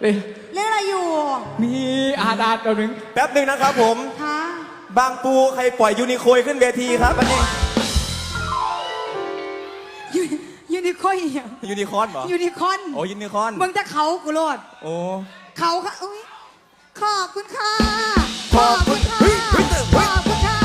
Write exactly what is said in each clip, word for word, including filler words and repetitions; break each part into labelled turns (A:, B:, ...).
A: เล่นอะไรอยู่
B: มีอาดาดตัวหนึ่ง
C: แป๊บหนึ่งนะครับผม
A: ฮะ
C: บางปูใครปล่อยยูนิโคยขึ้นเวทีครับอันนี้
A: ยูยูนิคอร์นอีกอย่าง
C: ยูนิคอร์นเหรอ
A: ยูนิคอร์น
C: โอ้ยูนิคอร์น
A: มึงจะเขากูโลด
C: โอ้
A: เขาค่ะอุ้ยขอบคุณค่ะ
C: ขอบคุณ
A: ค่ะ
C: เฮ้ยเฮ้ยเฮ้ย
A: ขอบคุณค่ะ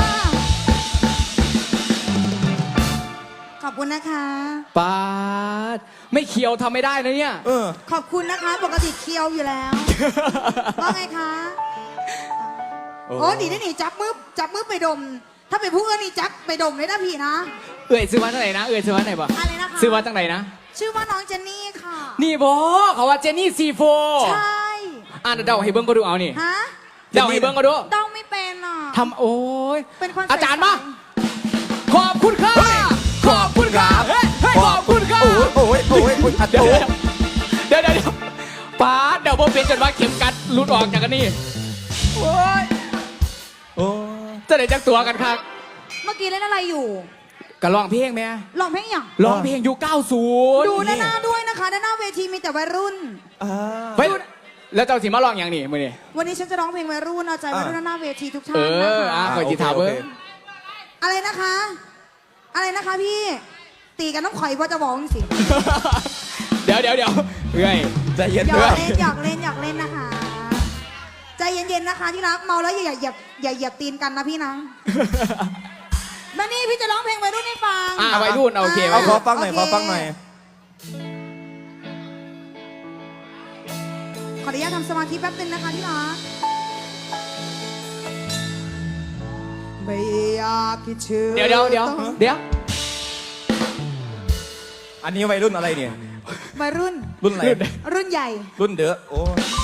A: ขอบคุณนะคะ
B: ปาดไม่เคียวทำไม่ได้นะเนี่ย
C: เออ
A: ขอบคุณนะคะ ปกติเคียวอยู่แล้วว่าไงคะ
C: โอ้
A: โอ้ดีได้หนิจับมือจับมือไปดม ถ้าเป็นผู้อื่นนี่จับไปดมเลยนะพี่นะ
B: เอ่ยซื้อมาตั้งไหนนะเอ่ยซื้อมาตั้งไหนบ่
A: อะไรนะคะ
B: ซื้อมาตั้งไหนนะ
A: ชื่อว่าน้องเจนนี่ค่ะ
B: นี่บอเขาว่าเจนนี่ซีโฟ
A: ใช่
B: อ่านเดาให้เบิ้งก็ดูเอานี่
A: ฮะ
B: เดาให้เบิ้งก็ดู
A: เดาไม่เป็นอ่ะ
B: ทำโอ้ย
A: เป็นคน
B: อาจารย์
A: ใส่
B: มาขอบคุณค่ะขอบคุณค่ะเฮ้ยเฮ้ยขอบคุณค่ะ
C: โอ้ยโอ้ยโอ้ยโอ้ยอัด
B: เดี๋ยว
C: โอ้ย
B: เดี๋ยวเดี๋ยวเดี๋ยวปาดเดี๋ยวผมเป็นจนว่าเข็มกัดหลุดออกจากกันนี่โอ้ย
C: โอ้ย
B: จะได้จักตัวกันครับ
A: เมื่อกี้เล่นอะไรอยู่
B: ก็ร้องเพลงไหม
A: ลองเพลงอย่าง
B: ร้องเพลงยุคเก้าสิบ
A: ดูด้านหน้าด้วยนะคะด้านหน้าเวทีมีแต่วัยรุ่น
C: อ่า
B: เฮ้ยแล้วเจ้าสิมาร้องอย่างนี้มือนี่
A: วันนี้ฉันจะร้องเพลงวัยรุ่นเอาใจวัยรุ่นด้านหน้าเวทีทุกท่า
B: เอน
A: นะ
B: ออ่ะ
A: คะ
B: คอยจีถามเบิ้ง
A: อะไรนะคะ อะไรนะคะพี่ ตีกันน้ำข่อยว่าจะบอกสิ
B: เดี๋ยวเดี๋ยวเดี๋ยวเฮ้ย
C: ใจเย็น
A: หยอ
C: เพื่อก น
A: เล่นหยอกเล่นหยอกเล่นนะคะ ใจเย็นๆนะคะที่รักเมาแล้วอย่าอย่าอย่าเหยียบตีนกันนะพี่นะมานี่พี่จะร้องเพลงวัยรุ่นให้ฟัง
B: อ่ะวัยรุ่นโอเค
C: เอา
B: วัย
C: ขอ
B: รุ่น
C: ฟังหน่อย
A: โอเค
C: ขอฟังหน่อย
A: ขออนุญาตทำสมาธิแป๊บนึงนะคะที่รักไม่อยากคิดถึง
B: เดี๋ยวเดี๋ยวเดี๋ยวเดี๋ยว
C: อันนี้วัยรุ่นอะไรเนี่ย
A: วัยรุ่น
C: รุ่นอะไร
A: รุ่นใหญ่
C: รุ่นเดอะโอ้ย